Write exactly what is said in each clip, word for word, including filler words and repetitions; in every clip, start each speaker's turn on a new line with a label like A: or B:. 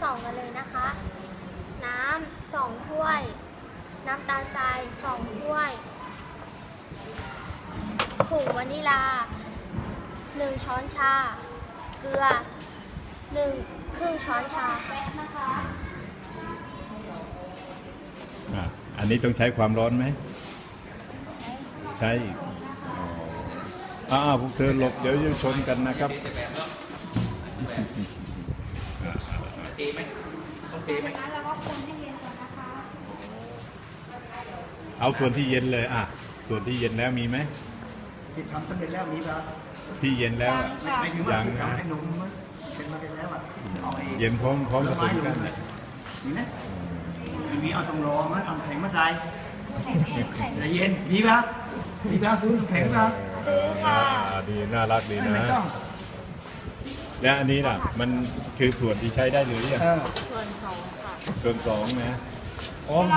A: สองกันเลยนะคะ น้ำสองถ้วย น้ำตาลทรายสองถ้วยผงวานิลาหนึ่งช้อนชา เกลือหนึ่งครึ่งช้อนชานะคะ
B: อ่ะอันนี้ต้องใช้ความร้อนไหม
A: ใช้
B: ใช้อีกอ๋ออ่าพวกเธอหลบเดี๋ยวจะชนกันนะครับ
C: เทไหมต้องเทไหม
A: แล้วก็คนให้เย็นก่อนนะคะ
B: เอาส่วนที่เย็นเลยอ่ะส่วนที่เย็นแล้วมีไหม
D: ที่ทำสำเร็จแล้วมีป่ะ
B: ที่เย็นแล้วอ่ะ
D: ไม่ถึงว่า
B: ยัง
D: ที่
B: นะ
D: ทำให้นมมันเป็นมาเป็นแล้วอ่ะเอาเอง
B: เย็นพร้อมพร้อมผสมกัน
D: มีไหมมีเอาตรงรอมันเอาแข็งมาใส่
A: แข็งแข็ง
D: ใจเย็นมีป่ะมีป่ะคุณแข็งป่ะ
A: ซื้อค่ะ
B: อ่าดีน่ารักดี
D: ไม่
B: นะ
D: ต้อง
B: และอันนี้ล่ะมันคือส่วนที่ใช้ได้หรือยัง
D: เออ
A: ส่วนสองค่ะ
B: ส่วนสองนะอ๋อ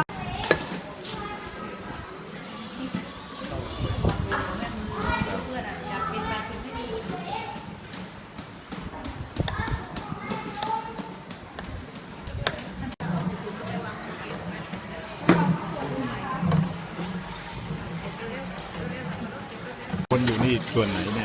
B: คนอยู่นี่ส่วนไหนเนี่ย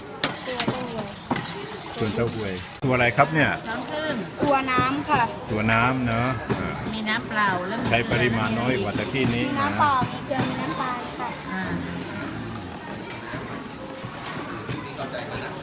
A: ตัวต้องเลย
B: ส่วนเต้าหวยตัวอะไรครับเนี่ย
E: ช้อนครึ่ง
A: ตัวน้ำค่ะ
B: ตัวน้ำเนาะอ่า
E: มีน้ำเปล่าแล้ว
B: ใช้ปริมาณน้อยกว่าตะกี้นี้
A: มี
B: นะ
A: น้ำเปล่ามีเกลือมีน้ำตาลค่ะ
E: อ่า